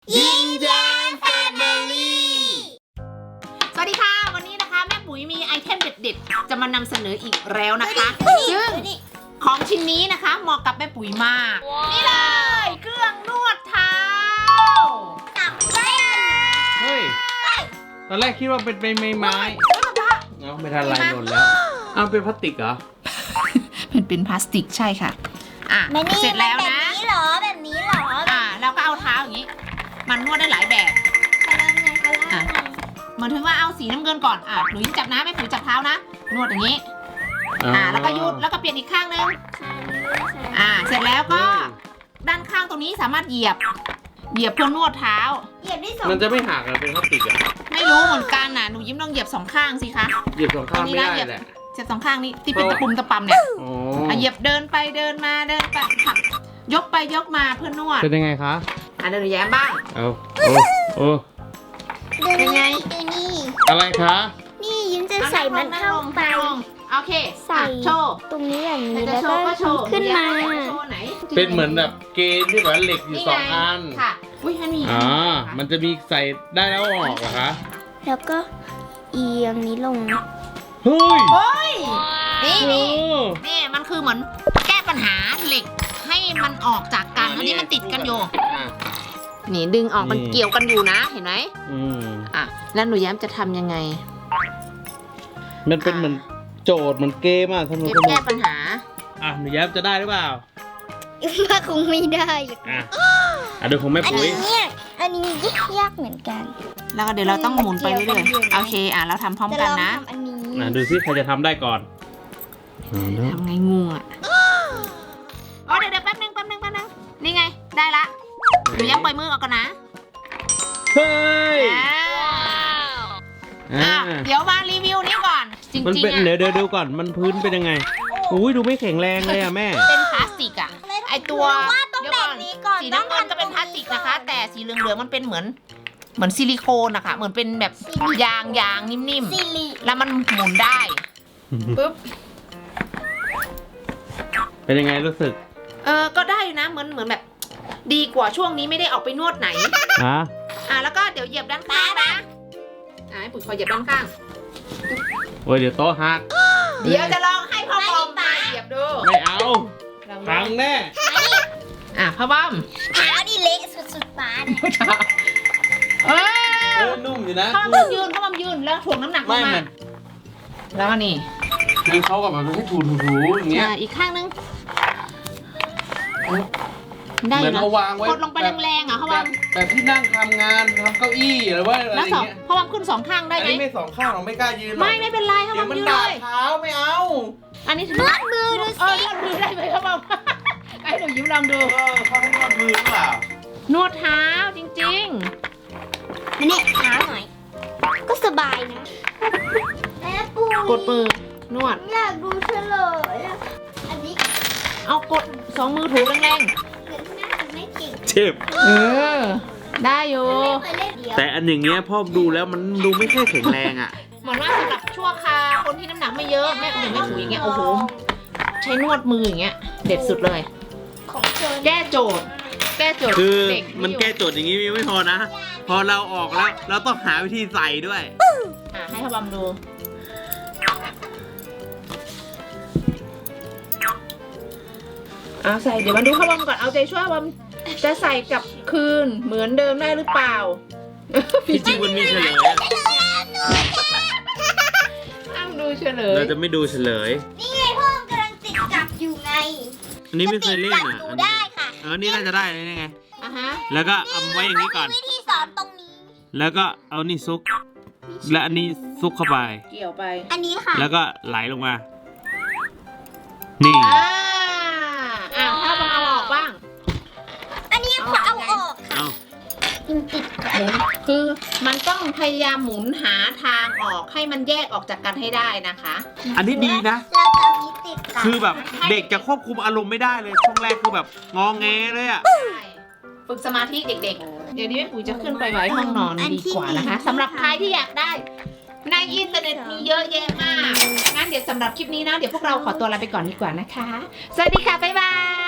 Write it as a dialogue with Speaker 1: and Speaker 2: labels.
Speaker 1: ยิ้มแย้มแฟมิลี่
Speaker 2: สวัสดีค่ะวันนี้นะคะแม่ปุ๋ยมีไอเทมเด็ดๆจะมานำเสนออีกแล้วนะคะซึ่งของชิ้นนี้นะคะเหมาะกับแม่ปุ๋ยมากนี่เลยเครื่องนวดเท้า
Speaker 1: เฮ้ยตอนแรกคิดว่าเป็นไม้เอาไม่ทันไรหล่นแล้วเอาเป็นพลาสติกเหรอ
Speaker 2: เป็นพลาสติกใช่ค่ะเสร็จแล้วนะ
Speaker 3: แบบนี้เหรอ
Speaker 2: เราก็เอาเท้าอย่างนี้มันนวดได้หลายแบบเหมือนถึงว่าเอาสีน้ำเงินก่อนหนูจับนะแม่ปุ๋ยจับเท้านะนวดอย่างนี้แล้วก็หยุดแล้วก็เปลี่ยนอีกข้างนึงเสร็จแล้วก็ด้านข้างตรงนี้สามารถเหยียบเพื่อนวดเท้า
Speaker 3: เหยียบได้สอง
Speaker 1: มันจะไม่หักเหรอเป็นพลาสติกอ่ะ
Speaker 2: ไม่รู้เหมือนกันหนูยิ้มลองเหยียบสองข้างสิคะ
Speaker 1: เหยียบสองข้างไม่ได้แหละ
Speaker 2: เหยียบสองข้างนี้ที่เป็นตะปุ่มตะปำเนี่ยเหยียบเดินไปเดินมาเดินไปยกไปยกมาเพื่อนวด
Speaker 1: เป็นยังไงคะ
Speaker 2: เดินแย้มบ้าง
Speaker 3: เป็นไงดูนี่
Speaker 1: อะไรคะ
Speaker 3: นี่ยิ้มจะใส่มันเข้าไป
Speaker 2: โอเค
Speaker 3: ใส่
Speaker 2: โชว์
Speaker 3: ตรงนี้อย่างนี้แล้วก็ขึ้นมา
Speaker 1: เป็นเหมือนแบบเกณฑ์ที่แบบเหล็กอยู่สองอัน
Speaker 2: ค่ะอุ้ยมันมี
Speaker 1: มันจะมีใส่ได้แล้วออกเหรอคะ
Speaker 3: แล้วก็เอียงนี้ลง
Speaker 1: เฮ้ย
Speaker 2: นี่มันคือเหมือนแก้ปัญหาเหล็กให้มันออกจากกันอันนี้มันติดกันอยู่นี่ดึงออกมันเกี่ยวกันอยู่นะเห็นไหมแล้วหนูแย้มจะทำยังไง
Speaker 1: มันเป็นเหมือนโจทย์เหมือนเกมสนุก
Speaker 2: แก้ปัญหา
Speaker 1: หนูแย้มจะได้หรือเปล่า
Speaker 3: ว่าคงไม่ได้
Speaker 1: ดูของแม่ปุ๋ย
Speaker 3: อันนี้ยากเหมือนกัน
Speaker 2: แล้วก็เดี๋ยวเราต้องหมุนไปเรื่อยๆโอเคเราทำพร้อมกันนะ
Speaker 1: ดูซิใครจะทำได้ก่อน
Speaker 2: ทำไงงูเดี๋ยวแป๊บนึงนี่ไงได้ละหนูแย้มปล่อยมือออกก่อนนะ
Speaker 1: เฮ้ย
Speaker 2: เดี๋ยวมารีวิวนี้ก่อนจริงๆ
Speaker 1: เดี๋ยวดูก่อนมันพื้นเป็นยังไงอุ้ยดูไม่แข็งแรงเลยแม่
Speaker 2: เป็นพลาสติกไอตัวเดี๋ยวก่อนสีน้ำเงินก็เป็นพลาสติกนะคะแต่สีเหลืองๆมันเป็นเหมือนซิลิโคนนะคะเหมือนเป็นแบบยางนิ่มๆแล้วมันหมุนได้ปึ๊บ
Speaker 1: เป็นยังไงรู้สึก
Speaker 2: ก็ได้นะเหมือนแบบดีกว่าช่วงนี้ไม่ได้ออกไปนวดไหนแล้วก็เดี๋ยวเหยียบด้านข้างนะให้ปุ๋ยขอเหยียบด้านข้าง
Speaker 1: โอ้ยเดี๋ยวโต๊ะหัก
Speaker 2: เดี๋ยวจะลองให้พ่อบอมมาเหยียบดู
Speaker 1: ไม่เอาพังแน่
Speaker 2: พ่อบอม
Speaker 3: เท้านี่เละสุดๆป้า
Speaker 1: นุ่มอยู่นะ
Speaker 2: พ่อบอมยืนแล้วถ่วงน้ำหนักลงมาแล้วนี่
Speaker 1: คือเขากับมันให้ถูอย่างเงี้ย
Speaker 2: อีกข้างนึงได้นะกดลงไปแรงๆเขาวาง
Speaker 1: แบบที่นั่งทำงานทำเก้าอี้หรือว่าอะไรอย่างเงี้ย
Speaker 2: เขาวางขึ้นสองข้างได้ไหม
Speaker 1: ไม่สองข้างเราไม่กล้ายืน
Speaker 2: ไม่เป็นไรเขาวางยืนเลย
Speaker 1: เท้าไม่เอา
Speaker 2: อันนี้
Speaker 3: นวดมือดูสิ
Speaker 2: นวดมือได้ไหมเขาบอกไอ้หนูยิ้มลองดู
Speaker 1: เขาให้นวดมือหรือเปล่าน
Speaker 2: วดเท้าจริง
Speaker 3: ๆนี่เท้าหน่อยก็สบายนะแม่ปู
Speaker 2: กดมือนวด
Speaker 3: อยากดูเฉลยอันนี้
Speaker 2: เอากดสองมือถูแรง
Speaker 1: เจ็บ
Speaker 2: ได้อยู่
Speaker 1: แต่อันอย่างเงี้ยพ่อดูแล้วมันดูไม่ค่อยแข็งแรง
Speaker 2: เหมือนว่าสำหรับชั่วคราวคนที่น้ำหนักไม่เยอะแม่ถูอย่างเงี้ยโอ้โหใช้นวดมืออย่างเงี้ยเด็ดสุดเลยแก้โจทย์
Speaker 1: คือมันแก้โจทย์อย่างงี้ไม่พอนะพอเราออกแล้วเราต้องหาวิธีใส่ด้วย
Speaker 2: ให้พ่อบอมดูใส่เดี๋ยวมาดูพ่อบอมก่อนเอาใจช่วยพ่อบอมจะใส่กลับคืนเหมือนเดิมได้หรือเปล่า
Speaker 1: จริงมันมีเฉลย
Speaker 2: ห้ามดูเฉลย
Speaker 1: เราจะไม่ดูเฉลย
Speaker 3: นี่ไงพ่อกำลังติดจับอยู่ไง
Speaker 1: อันนี้ไม่เคยเล่น
Speaker 3: ดูได้ค่ะ
Speaker 1: นี่น่าจะได้เลยไงแล้วก็เอาไว้อย่างนี้ก่อน
Speaker 3: วิธีสอนตรงนี้
Speaker 1: แล้วก็เอานี่ซุกและอันนี้ซุกเข้าไป
Speaker 2: เกี่ยวไป
Speaker 3: อันนี้ค่ะ
Speaker 1: แล้วก็ไหลลงมานี่
Speaker 2: ถ้าบอมเอาออกบ้าง
Speaker 3: อันนี้ขอเอาออกค่ะติด
Speaker 2: คือมันต้องพยายามหมุนหาทางออกให้มันแยกออกจากกันให้ได้นะคะ
Speaker 1: อันนี้ดีนะ
Speaker 3: เราจะเอานี้ติด
Speaker 1: คือแบบเด็กจะควบคุมอารมณ์ไม่ได้เลยช่วงแรกคือแบบงอแงเลย
Speaker 2: ฝึกสมาธิเด็กๆเดี๋ยวนี้แม่ปุ๋ยจะขึ้นไปไว้ห้องนอนดีกว่านะคะสำหรับใครที่อยากได้ในอินเทอร์เน็ตมีเยอะแยะมากงั้นเดี๋ยวสำหรับคลิปนี้นะเดี๋ยวพวกเราขอตัวลาไปก่อนดีกว่านะคะสวัสดีค่ะบ๊ายบาย